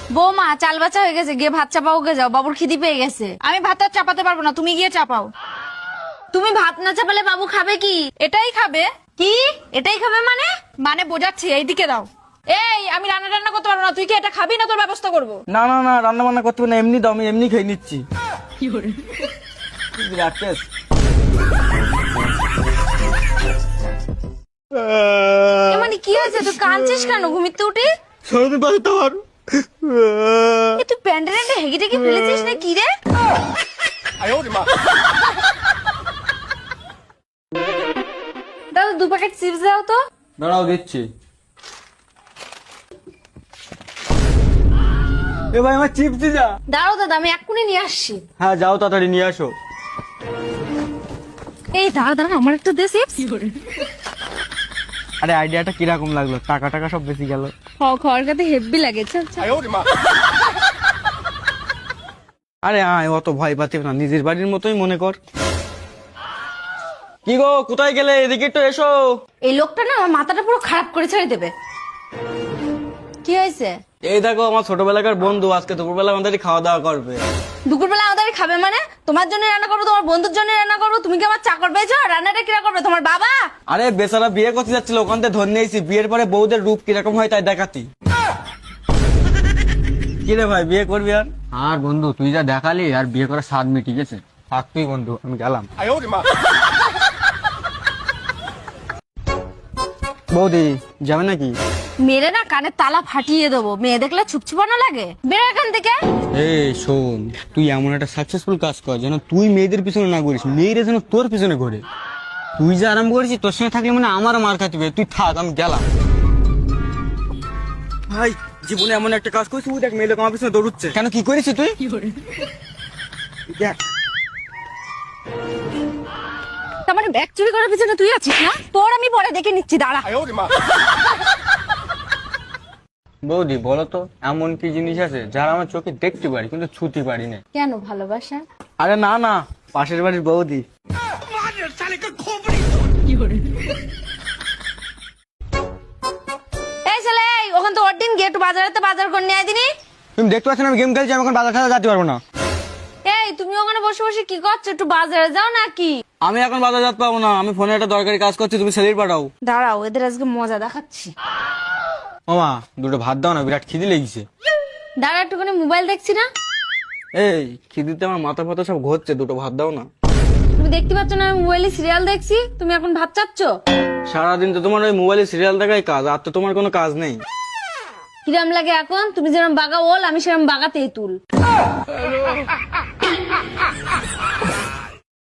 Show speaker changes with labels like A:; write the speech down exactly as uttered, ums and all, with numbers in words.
A: বৌমা চাল বাচ্চা হয়ে গেছে, গিয়ে ভাত চাপাও গে যাও, বাবুর খিদি পেয়ে গেছে।
B: আমি ভাতটা চাপাতে পারবো না, তুমি গিয়ে চাপাও।
A: তুমি ভাত না চাপালে বাবু খাবে কি?
B: এটাই খাবে।
A: কি এটাই খাবে মানে?
B: মানে বোঝাচ্ছি, এইদিকে দাও। এই আমি রান্না টান্না করতে পারবো না, তুই কি এটা খাবি না তোর ব্যবস্থা করবো?
C: না না না, রান্না বান্না করতে হবে না, এমনি দাও, আমি এমনি খেয়ে নিচ্ছি। বিরাট টেস্ট।
A: এ মানে কি হয়েছে, তুই কাঁদছিস কেন ঘুমিতে উঠে?
C: সরদিন পাশে তোমার
A: এ তুই প্যান্টে প্যান্টে হেগে টেগে ফেলেছিস না কি রে? দাদা দু প্যাকেট চিপস দাও তো।
C: দাঁড়াও দিচ্ছি। এ ভাই আমার চিপস দি যা।
A: দাঁড়াও দাদা, আমি এক্ষুনি নিয়ে আসছি।
C: হ্যাঁ যাও তাড়াতাড়ি নিয়ে আসো।
A: এই দাঁড়া দাঁড়া, আমার একটা দে চিপস।
C: আরে আইডিয়াটা কিরকম লাগলো? টাকা টাকা সব বেশি গেল।
A: খাওয়ার কাছে হেভি লাগে। চল চল।
C: আরে আয়, অত ভয় পাতি না, নিজের বাড়ির মতোই মনে কর। কি গো, কোথায় গেলে? এদিকে একটু এসো।
A: এই লোকটা না আমার মাথাটা পুরো খারাপ করে ছেড়ে দেবে। কি হয়েছে?
C: এই দেখো আমার ছোটবেলাকার বন্ধু আজকে দুপুরবেলা আমাদের খাওয়া দাওয়া করবে।
A: দুপুরবেলা আমাদের খাবে মানে? তোমার জন্য রান্না করবো, তোমার বন্ধুর জন্য রান্না করবো? তুমি কি আমার চাকর পেয়েছো? রান্নাটা কিরা করবে তোমার বাবা?
C: আরে বেচারা বিয়ে করতে যাচ্ছিল, ওখান থেকে ধরে নিয়েছি। বিয়ের পরে বউদের রূপ কিরকম হয় তাই দেখাতি। কি রে ভাই, বিয়ে করবি আর?
D: আর বন্ধু তুই যা দেখালি, আর বিয়ে করার স্বাদ মিটে গেছে।
C: থাক তুই বন্ধু, আমি গেলাম। বৌদি যাবে নাকি?
A: মেরে না কানে তালা ফাটিয়ে দেবো। মেয়ে দেখলে ছুপছুপানো লাগে? বেরো এখান থেকে।
C: এই শোন, তুই এমন একটা সাকসেসফুল কাজ কর যেন তুই মেয়েদের পিছনে না ঘুরিস, মেয়েরা যেন তোর পিছনে ঘোরে। তুই যে আরাম করেছিস, তোর সঙ্গে থাকলে মানে আমার মার খাতে হবে। তুই থাক, আমি গেলাম। ভাই জীবনে এমন একটা কাজ করেছিস, তুই দেখ মেয়ে লোক আমার পিছনে দৌড়ুচ্ছে। কেন, কি করেছিস তুই? দেখ
A: তার মানে ব্যাগ চুরি করার পিছনে তুই আছিস না? তোর আমি পরে দেখে নিচ্ছি, দাঁড়া।
C: বৌদি বলো তো, এমন কি জিনিস আছে যারা আমার চোখে দেখতে পারি কিন্তু ছুতে পারি না?
A: কেন, ভালোবাসা?
C: আরে না না, পাশের বাড়ির বৌদি।
A: এই ছেলে, এই ওখান তো ওর দিন গিয়ে একটু বাজারেতে বাজার করে নিয়ে আয় দিনি।
C: তুমি দেখতে পাচ্ছ না আমি গেম খেলছি, আমি এখন বাজার খেলা যেতে পারবো না।
A: এই তুমি ওখানে বসে বসে কি করছো? একটু বাজারে যাও নাকি?
C: আমি এখন বাজার যেতে পারবো না, আমি ফোনে একটা দরকারি কাজ করছি, তুমি সেলির পাঠাও।
A: দাঁড়াও, এদের আজকে মজা দেখাচ্ছি।
C: মামা দুটো ভাত দাও না, বিরাট খিদে লেগেছে।
A: দাঁড়া, একটুখানি মোবাইল দেখছি না।
C: এই খিদিতে আমার মাথা ফাতা সব ঘুরছে, দুটো ভাত দাও না।
A: তুমি দেখতে পাচ্ছ না আমি মোবাইলে সিরিয়াল দেখছি? তুমি এখন ভাত চাচ্ছ?
C: সারাদিন তো তোমার ওই মোবাইলে সিরিয়াল দেখাই কাজ, আর তো তোমার কোনো কাজ নেই।
A: কিরাম লাগে এখন? তুমি যেরকম বাগা ওল, আমি সেরকম বাগা তেঁতুল।